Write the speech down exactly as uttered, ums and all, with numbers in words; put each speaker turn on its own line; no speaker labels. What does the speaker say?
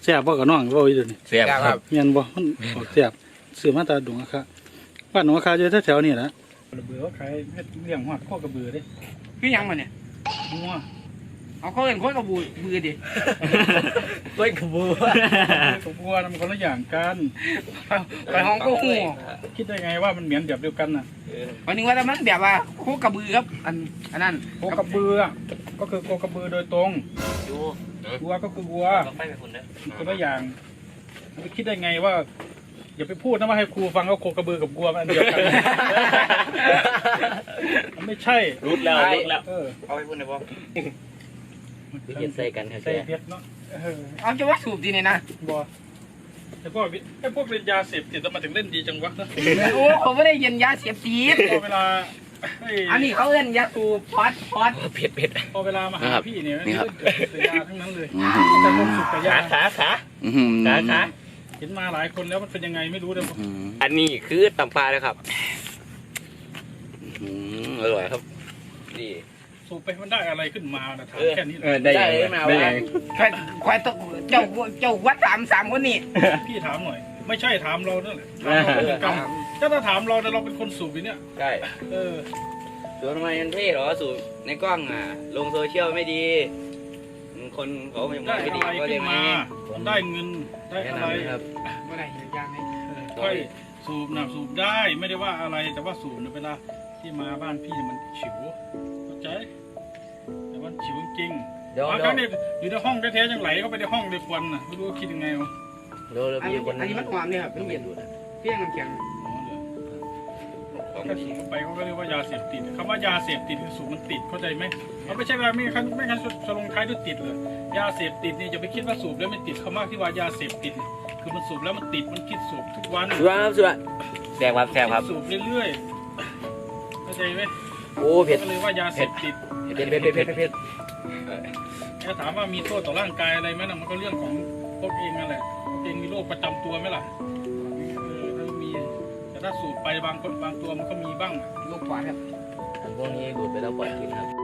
ซ่บบ่กับน้องบ่อีเดี๋ยวนี้
แซ่บครับ
เมียนบ่มันออกแซ่บซื้อมาตาดงอะค่ะบ้านหนองคาอยู่แถวๆนี่แหละระเบือเขาขายเฮ็ดเลี้ยงฮอดข้อกระเบือเด้
คือยังมันเนี่ย
งัว
เอาเขาเห็นคนกับบูบือดิ
กล้วยกระบู
กับวัวน่ะมันคนละอย่างกัน
ไปห้องก็หู
คิดได้ไงว่ามันเหมือนแบบเดียวกันน่ะ
วันนึงว่าแต่มันแบบว่าโคกระบือครับอันอันนั้น
โคกระเบือก็คือโคกระเบือโดยตรง
ดู
วัวก็คือวัว
ไปไปคุณนะ
คนละอย่างมันคิดได้ไงว่า อย่าไปพูดนะว่าให้ครูฟังว่าโคกระบือกับวัวมันอันเดียวกัน มันไม่ใช่
รุดแล้วรุดแล้ว
เออ
เอาไปคุณนะพ่อพี่เห็นใส่กัน
ใส่เพชรเนาะเออ
เอาจะว่าสูบดีเนี่ยนะ
บัวไอ้พวกวิไอ้พวกเล่นยาเสพติดแล้วมาถึงเล่นดีจังวะนะ
โอ้ผมไม่ได้เย็นยาเสียบตีด
พอเวลาไอ้
อันนี้เขาเล่นยาสูบพอดพอด
เผ็ดเผ็ด
พอเวลามาหาพี่เนี่ย
นี่
นี่
ครับ
เล่นแต่ยาทั้งนั้นเลยแต่คนสุดแต่ยา
ขาขาขาขา
เห็นมาหลายคนแล้วมันเป็นยังไงไม่รู้เลย
อันนี้คือตำปลาเลยครับอร่อยครับนี่
สูบไปมันได้อะไรขึ้นมานะถามแค่นี้
เออได้ยังได้ยัง
ใครใครต้องเจ้าเจ้าวัดสามสามคนนี่
พี่ถามหน่อย ไม่ใช่ถามเรานั่นแหละถามเราเหมือนกันถ้าถ้าถามเราแต่เราเป็นคนสูบเนี่ย
ใช่
เออ
สูบทำไมมันเท่หรอสูบในกล้องอ่ะลงโซเชียลไม่ดีคนเขาไม่
ได้
ไม่ดี
อะไร
ก็เล
ขึ้
ย
น
ไม่
มาได้เงินได้
แนะ
อะไร
นำนะครับ
เมื่อไหร่ยางให้
ค่อยสูบนะสูบได้ไม่ได้ว่าอะไรแต่ว่าสูบเนี่ยเวลาที่มาบ้านพี่เนี่ยมันฉิวเข้าใจแต่ว่าฉิวจริง
เดี๋ยว
บาง
เดี๋
ค
ยว
รั้งเนี่ยอยู่ในห้องแท้ๆยังไหลเข้าไปในห้องเลยควันน่ะไม่รู้ว่าคิดยังไงวะ
เดี๋ยว
อัน
มี
นี้
คน
อันนี้มันความเนี่ยครับเป็นเย็นเพี้ยงน้ำแข็ง
อ๋อเหรอเขาก็ฉีดเข้าไปเขาก็เรียกว่ายาเสพติดคำว่ายาเสพติดคือสูบมันติดเข้าใจไหมมันไม่ใช่ว่าไม่คันไม่คันจะลงท้ายด้วยติดเลยยาเสพติดนี่อย่าไปคิดว่าสูบแล้วไม่ติดคำว่าที่ว่ายาเสพติดเนี่ยคือมันสูบแล้วมันติดมันคิดสูบทุกวัน
สุดครับสุดแซ่บครับแซ่บครับ
สูบเรื่อยๆเข้าใจไหม
โอ้เผ็ด
ก็เลยว่ายาเสพติด
เผ็ดเผ็ดเผ็ดเผ็ดเผ็ด
ถ้าถามว่ามีโทษต่อร่างกายอะไรไหมนะมันก็เรื่องของพวกเองนั่นแหละพวกเองมีโรคประจำตัวไหมล่ะเออถ้ามีแต่ถ้าสูบไปบางคนบางตัวมันก็มีบ้าง
ลูกขวานครับ
พวกนี้ดูดไปแล้วปล่อยกินครับ